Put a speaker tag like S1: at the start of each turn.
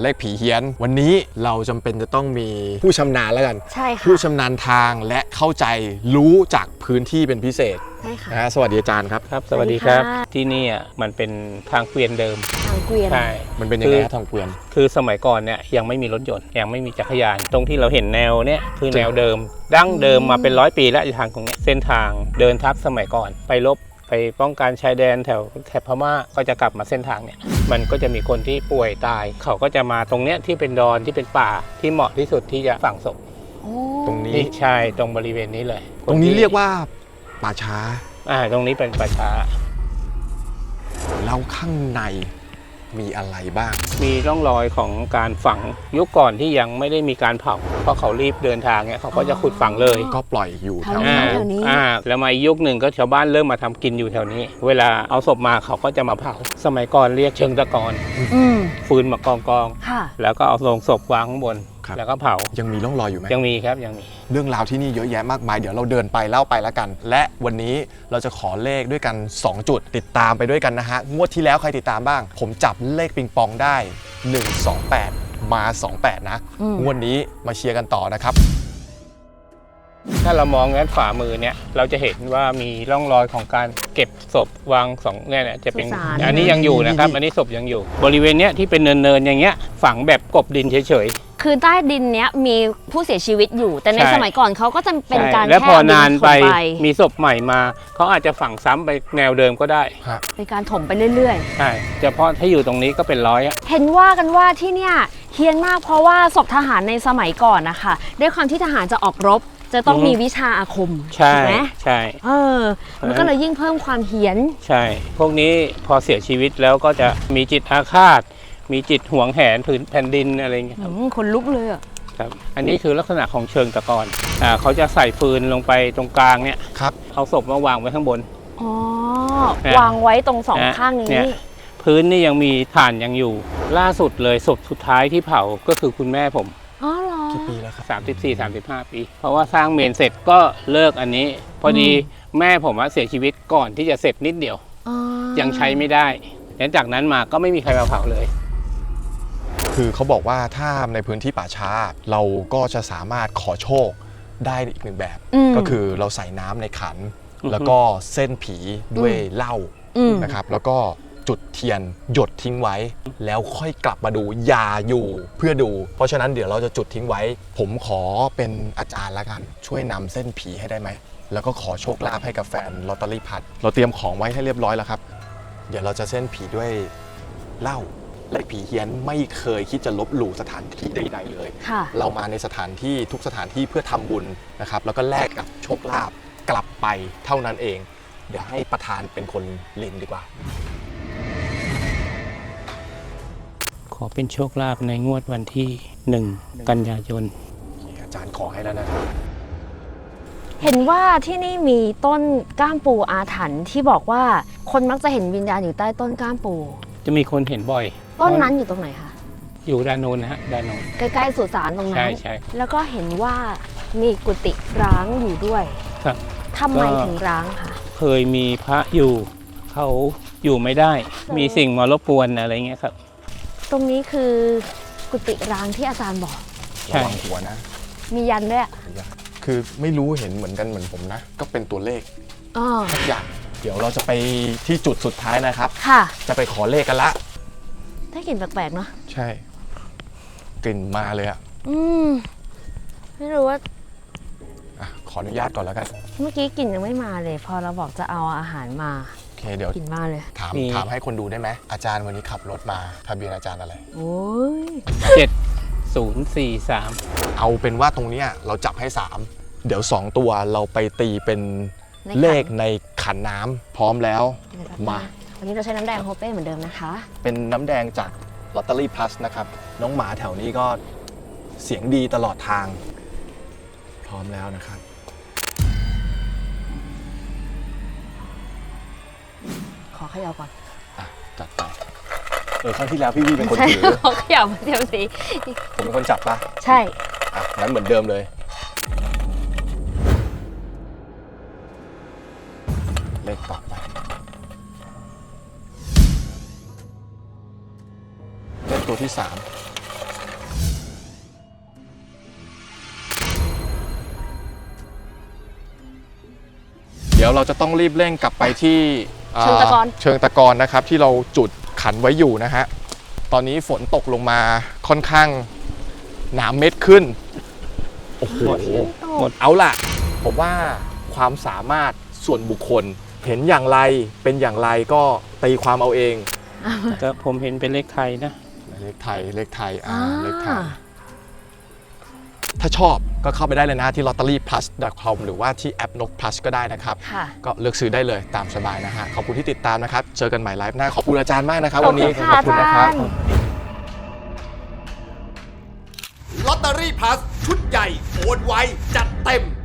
S1: เลขผีเฮี้ยนวันนี้เราจำเป็นจะต้องมีผู้ชำนาญแล้วกัน
S2: ใช่ค่ะ
S1: ผู้ชำนาญทางและเข้าใจรู้จากพื้นที่เป็นพิเศษ
S2: ใช่ค่ะ
S1: สวัสดีอาจารย์ครับ
S3: ครับสวัสดีครับที่นี่มันเป็นทางเกวียนเดิม
S2: ทางเกวียน
S3: ใช่
S1: มันเป็นยังไงทางเกวียน
S3: คือสมัยก่อนเนี่ยยังไม่มีรถยนต์ยังไม่มีจักรยานตรงที่เราเห็นแนวเนี่ยคือแนวเดิมดั้งเดิมมาเป็น100 ปีแล้วทางตรงนี้เส้นทางเดินทัพสมัยก่อนไปรบไปป้องกันชายแดนแถบพม่าก็จะกลับมาเส้นทางเนี่ยมันก็จะมีคนที่ป่วยตายเขาก็จะมาตรงเนี้ยที่เป็นดอนที่เป็นป่าที่เหมาะที่สุดที่จะฝังศพ
S1: ตรงนี้
S3: ใช่ตรงบริเวณนี้เลย
S1: ตรงนี้เรียกว่าป่าช้า
S3: ตรงนี้เป็นป่าช้า
S1: แล้วข้างในมีอะไรบ้าง
S3: มีร่องรอยของการฝังยุคก่อนที่ยังไม่ได้มีการเผาเพราะเขารีบเดินทางเนี่ยเขาก็จะขุดฝังเลย
S1: ก็ปล่อยอยู่แถว
S2: นี้
S3: แล้วมายุคหนึ่งก็ชาวบ้านเริ่มมาทำกินอยู่แถวนี้เวลาเอาศพมาเขาก็จะมาเผาสมัยก่อนเรียกเชิงตะกอนฟืนมากองแล้วก็เอาลงศพวางข้างบนแล้วก็เผา
S1: ยังมีร่องรอยอยู่ไหม
S3: ยังมีครับยังมี
S1: เรื่องราวที่นี่เยอะแยะมากมายเดี๋ยวเราเดินไปเล่าไปแล้วกันและวันนี้เราจะขอเลขด้วยกัน2จุดติดตามไปด้วยกันนะฮะงวดที่แล้วใครติดตามบ้างผมจับเลขปิงปองได้128มา28นะงวดนี้มาเชียร์กันต่อนะครับ
S3: ถ้าเรามองด้านขวามือเนี่ยเราจะเห็นว่ามีร่องรอยของการเก็บศพวาง2เนี่ยจะเป็นอันนี้ยังอยู่นะครับอันนี้ศพยังอยู่บริเวณเนี้ยที่เป็นเนินๆอย่างเงี้ยฝังแบบกบดินเฉยๆ
S2: คือใต้ดินเนี้ยมีผู้เสียชีวิตอยู่แต่ในสมัยก่อนเขาก็จะเป็นการ
S3: แล้วพอนานไปมีศพใหม่มาเขาอาจจะฝังซ้ำไปแนวเดิมก็ได้
S2: เป็นการถมไปเรื่อย
S3: ๆใช่เฉพาะถ้าอยู่ตรงนี้ก็เป็นร้อย
S2: เห็นว่ากันว่าที่เนี่ยเฮี้ยนมากเพราะว่าศพทหารในสมัยก่อนนะคะด้วยความที่ทหารจะออกรบจะต้องมีวิชาอาคม
S3: ใช่ไหม
S2: ใช่มันก็เลยยิ่งเพิ่มความเฮี้ยน
S3: ใช่พวกนี้พอเสียชีวิตแล้วก็จะมีจิตอาฆาตมีจิตหวงแหนผืนแผ่นดินอะไรอย่างเงี้ย
S2: คนลุกเลยอ่ะ
S3: ครับอันนี้คือลักษณะของเชิงตะกอนเขาจะใส่ฟืนลงไปตรงกลางเนี่ย
S1: ครับ
S3: เอาศพมาวางไว้ข้างบน
S2: วางไว้ตรงสองข้างนี้
S3: พื้นนี่ยังมีถ่านยังอยู่ล่าสุดเลยศพสุดท้ายที่เผาก็คือคุณแม่ผม
S2: อ๋อเหรอ
S1: กี่ปีแล้วครับ
S3: 34-35 ปีเพราะว่าสร้างเมนเสร็จก็เลิกอันนี้พอดีแม่ผมเสียชีวิตก่อนที่จะเสร็จนิดเดียวยังใช้ไม่ได้แล้วจากนั้นมาก็ไม่มีใครมาเผาเลย
S1: คือเขาบอกว่าถ้าในพื้นที่ป่าช้าเราก็จะสามารถขอโชคได้อีกหนึ่งแบบก็คือเราใส่น้ำในขันแล้วก็เส้นผีด้วยเหล้านะครับแล้วก็จุดเทียนหยดทิ้งไว้แล้วค่อยกลับมาดูอย่าอยู่เพื่อดูเพราะฉะนั้นเดี๋ยวเราจะจุดทิ้งไว้ผมขอเป็นอาจารย์ละกันช่วยนำเส้นผีให้ได้ไหมแล้วก็ขอโชคลาภให้กับแฟนลอตเตอรี่พัดเราเตรียมของไว้ให้เรียบร้อยแล้วครับเดี๋ยวเราจะเส้นผีด้วยเหล้าและผีเฮี้ยนไม่เคยคิดจะลบหลู่สถานที่ใดๆเลยเรามาในสถานที่ทุกสถานที่เพื่อทำบุญนะครับแล้วก็แลกกับโชคลาภกลับไปเท่านั้นเองเดี๋ยวให้ประธานเป็นคนลินดีกว่า
S3: ขอเป็นโชคลาภในงวดวันที่1 กันยายน
S1: อาจารย์ขอให้แล้วนะ
S2: เห็นว่าที่นี่มีต้นก้ามปูอาถรรพ์ที่บอกว่าคนมักจะเห็นวิญญาณอยู่ใต้ต้นก้ามปู
S3: จะมีคนเห็นบ่อย
S2: ต้นนั้นอยู่ตรงไหนคะ
S3: อยู่ด้านโน้นนะฮะด้านโน้น
S2: ใกล้ๆสุสานตรงนั้น
S3: ใช่
S2: แล้วก็เห็นว่ามีกุฏิร้างอยู่ด้วย
S3: ครับ
S2: ทำไมถึงร้างคะ
S3: เคยมีพระอยู่เขาอยู่ไม่ได้มีสิ่งมารบกวนอะไรเงี้ยครับ
S2: ตรงนี้คือกุฏิร้างที่อาจารย์บอก
S1: ระวังหัวนะ
S2: มียันด้วย
S1: คือไม่รู้เห็นเหมือนกันเหมือนผมนะก็เป็นตัวเลขทุกอย่างเดี๋ยวเราจะไปที่จุดสุดท้ายนะครับ
S2: ค่ะ
S1: จะไปขอเลขกันละ
S2: ได้กลิ่นแปลกๆเนาะ
S1: ใช่กลิ่นมาเลยอ่ะ
S2: ไม่รู้ว่า
S1: ขออนุญาตก่อนแล้วกัน
S2: เมื่อกี้กลิ่นยังไม่มาเลยพอเราบอกจะเอาอาหารมา
S1: โอเคเดี๋ยว
S2: กลิ่นมาเลย
S1: ถามให้คนดูได้ไหมอาจารย์วันนี้ขับรถมาทะเบียนอาจารย์อะไร
S2: โอ้ย
S3: 7043
S1: เอาเป็นว่าตรงนี้เราจับให้3เดี๋ยว2ตัวเราไปตีเป็นเลขในขันน้ำพร้อมแล้วมา
S2: วันนี้เราใช้น้ำแดงโฮเป้เหมือนเดิมนะคะ
S1: เป็นน้ำแดงจากลอตเตอรี่พลัสนะครับน้องหมาแถวนี้ก็เสียงดีตลอดทางพร้อมแล้วนะครับ
S2: ขอเขย่าก่อน
S1: จัดไปครั้งที่แล้วพี่เป็นคนถือ
S2: ขอเขย่าเดี๋ยวสิ
S1: ผมเป็นคนจับปะ
S2: ใช่
S1: งั้นเหมือนเดิมเลยเลขต่อไปเลขตัวที่3 ดี๋ยวเราจะต้องรีบเร่งกลับไปที่
S2: เชิงตะกอน
S1: เชิงตะกอนนะครับที่เราจุดขันไว้อยู่นะฮะตอนนี้ฝนตกลงมาค่อนข้างหนาเม็ดขึ้นโอ้โห
S3: หมด
S1: เอาล่ะผมว่าความสามารถส่วนบุคคลเห็นอย่างไรเป็นอย่างไรก็ตีความเอาเอง
S3: ก็ผมเห็นเป็นเลขไทยนะ
S1: เลขไทยเลขไทยเลขไทยถ้าชอบก็เข้าไปได้เลยนะที่ lotteryplus.com หรือว่าที่แอปนก plus ก็ได้นะครับ
S2: ค่ะ
S1: ก็เลือกซื้อได้เลยตามสบายนะฮะขอบคุณที่ติดตามนะครับเจอกันใหม่ไลฟ์หน้าขอบคุณอาจารย์มากนะครับ
S2: ขอบ
S1: วันนี้
S2: คุณค่ะ
S1: ขอบคุณนะครับ
S2: อาจารย์
S4: ลอตเตอรี่พลัสชุดใหญ่โอนไวจัดเต็ม